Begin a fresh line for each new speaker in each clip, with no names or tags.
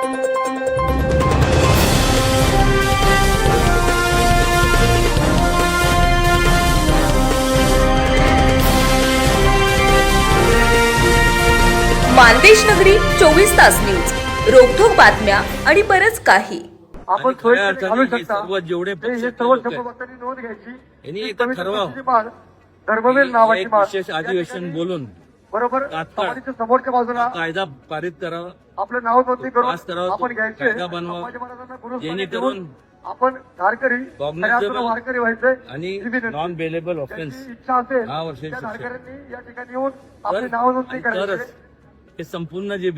मानदेश नगरी 24 तास न्यूज, रोखोक बातम्या आणि बरंच काही.
आपण घालू शकता
जेवढे
सर्व भक्तांनी नोंद घ्यायची.
यांनी एक ठरवा
धर्मवीर नावाची माळ
विशेष अधिवेशन बोलून
बरोबर
तात्काळ
समाधीच्या समोरच्या बाजूला
कायदा पारित करावा,
आपलं नाव नोंदणी
पास
करून
करावा,
आपण घ्यायचे.
कायदा बनवा,
संभाजी महाराजांना गुरुस्थानी
जेणेकरून
ठेवून आपण धारकरी
कॉग्निझेबल
वारकरी व्हायचे
आणि
ही विनंती.
नॉन बेलेबल ऑफेन्स
ज्यांची इच्छा असेल
10 वर्षाची
त्या
शिक्षा.
धारकऱ्यांनी या ठिकाणी येऊन आपली नाव नोंदणी
तरच
करायची.
हे संपूर्ण जे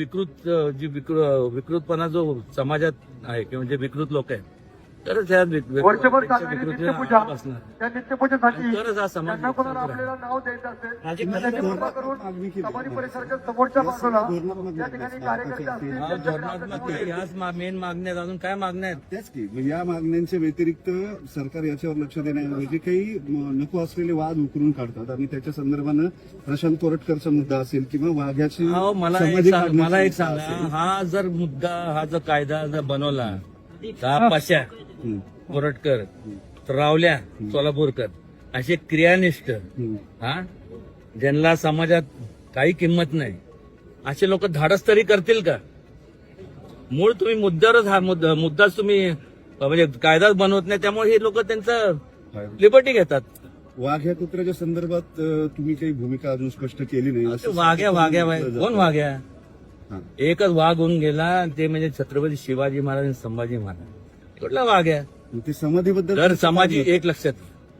विकृतपणा जो समाजात आहे किंवा जे विकृत लोक आहेत, तरच ह्या
वर्षभर चालणारी
विकृतीला
नित्यपूजा
असणार.
त्या नित्यपूजेसाठी
तरच हा समाज
त्यांना कोणाला आपल्याला नाव द्यायचं असेल तर त्याची कृपा करून समाधी परिसराच्या समोरच्या बाजूला या ठिकाणी कार्यकर्ते असतील
हा, धोरणात्मक ह्याच मेन मागण्या आहेत. अजून काय मागण्या आहेत?
त्याच की म्हणजे या मागण्यांच्या व्यतिरिक्त सरकार याच्यावर लक्ष देण्याऐवजी काही नको असलेले वाद उकरून काढतात आणि त्याच्या संदर्भानं प्रशांत कोरटकरचा मुद्दा असेल किंवा वाघ्याची
हो, मला एक सांगा, हा जर मुद्दा, हा जर कायदा जर बनवला तर पाशा कोरटकर, रावल्या सोलापूरकर असे क्रियानिष्ठ, हा, ज्यांना समाजात काही किंमत नाही, असे लोक धाडस तरी करतील का? मूळ तुम्ही मुद्द्यावरच हा मुद्दाच तुम्ही म्हणजे कायदाच बनवत नाही, त्यामुळे हे लोक त्यांचं लिबर्टी घेतात.
वाघ या कुत्र्याच्या संदर्भात तुम्ही काही भूमिका अजून स्पष्ट केली नाही असं
वाघ्या कोण वाघ्या?
हा.
एकच वाघ होऊन गेला, ते म्हणजे छत्रपती शिवाजी महाराज आणि संभाजी महाराज. कुठला वाघ आहे?
ते समाधीबद्दल
दर समाजी एक लक्षात.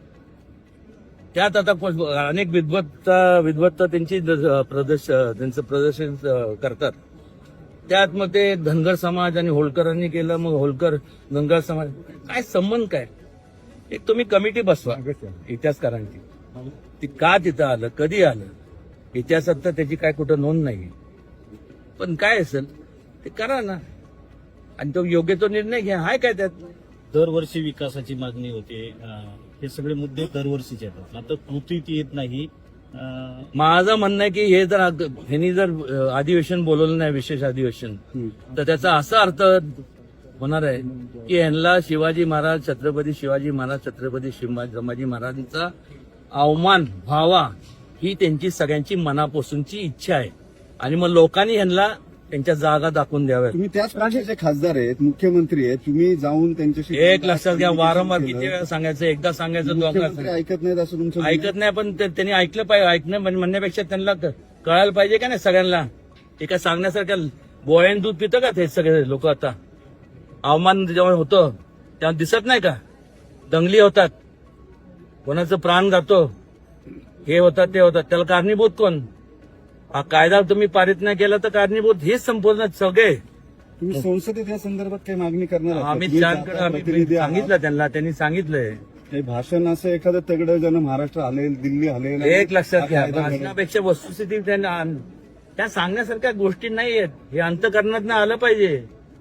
त्यात आता अनेक विद्वत्ता त्यांची त्यांचं प्रदर्शन करतात. त्यात मग ते धनगर समाज आणि होळकरांनी केलं, मग होळकर धनगर समाज, काय संबंध काय? एक तुम्ही कमिटी बसवा इतिहासकारांची, ती का तिथं आलं, कधी आलं, इतिहासात तर त्याची काय कुठं नोंद नाही, पण काय असेल ते करा ना, आणि तो योग्य तो निर्णय घ्या. हाय काय त्यात?
दरवर्षी विकासाची मागणी होते, हे सगळे मुद्दे दरवर्षीचे येतात. आता कृतीत येत नाही.
माझं म्हणणं आहे की हे जर ह्यांनी जर अधिवेशन बोलवलं नाही, विशेष अधिवेशन, तर त्याचा असा अर्थ होणार आहे की ह्यांना शिवाजी महाराज, छत्रपती शिवाजी महाराज, छत्रपती संभाजी महाराजांचा अवमान व्हावा ही त्यांची सगळ्यांची मनापासूनची इच्छा आहे, आणि मग लोकांनी ह्यांना त्यांच्या जागा दाखवून द्याव्या.
तुम्ही त्याच पक्षाचे खासदार आहेत, मुख्यमंत्री आहेत, तुम्ही जाऊन त्यांच्याशी
एक लक्षात घ्या, वारंवार किती वेळा सांगायचं, एकदा सांगायचं,
मुख्यमंत्री ऐकत नाहीत असं तुमचं
ऐकत नाही, पण त्यांनी ऐकलं पाहिजे. म्हणण्यापेक्षा त्यांना कळायला पाहिजे का नाही सगळ्यांना. एका सांगण्यासारख्या बोळ्याने दूध पितं का ते सगळे लोक? आता अवमान जेव्हा होतं तेव्हा दिसत नाही का? दंगली होतात, कोणाचं प्राण जातो, हे होतात ते होतात, त्याला कारणीभूत कोण? हा कायदा तुम्ही पारित नाही केला तर कारणीभूत हेच संपूर्ण सगळे.
तुम्ही संसदेत या संदर्भात काही मागणी करणार आहात का?
अमित
तुम्ही
शहाकडे आम्ही
प्रतिनिधी आहात.
सांगितलं त्यांना, त्यांनी सांगितलंय.
काही भाषण असं एखादं तगडं ज्यानं महाराष्ट्र हलेल, दिल्ली हलेल,
एक लक्षात घ्या,
हा कायदा घडेल.
भाषणापेक्षा वस्तुस्थिती त्या सांगण्यासारख्या गोष्टी नाही आहेत. हे अंतकरणात आलं पाहिजे.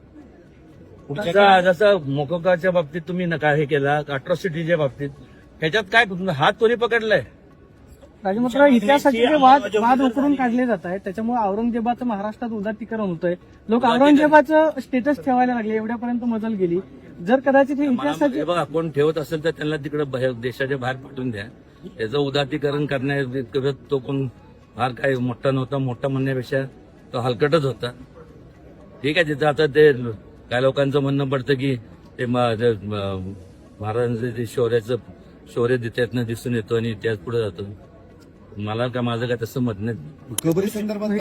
जसं मोकोकाच्या बाबतीत तुम्ही नका हे केला, अट्रॉसिटीच्या बाबतीत, ह्याच्यात काय हात कोणी पकडलाय?
राजमात्र इतिहासाचे जे वाद उकरून काढले जात आहेत, त्याच्यामुळे औरंगजेबाचं महाराष्ट्रात उदात्तीकरण होतंय. लोक औरंगजेबाचं स्टेटस ठेवायला लागले, एवढ्यापर्यंत मजल गेली. जर कदाचित हे इतिहासाचे
बघा, कोण ठेवत असेल तर त्यांना तिकडे देशाच्या बाहेर पाठवून द्या. त्याचं उदात्तीकरण करण्यात तो कोण फार काय मोठा नव्हता. मोठा म्हणण्यापेक्षा तो हलकटच होता. ठीक आहे, तिथं आता ते काय लोकांचं म्हणणं पडतं की ते महाराजांचं ते शौर्य त्यातनं दिसून येतो आणि इतिहास पुढे जातो. मला काय, माझं काय तसं मत नाही.
कबरी संदर्भात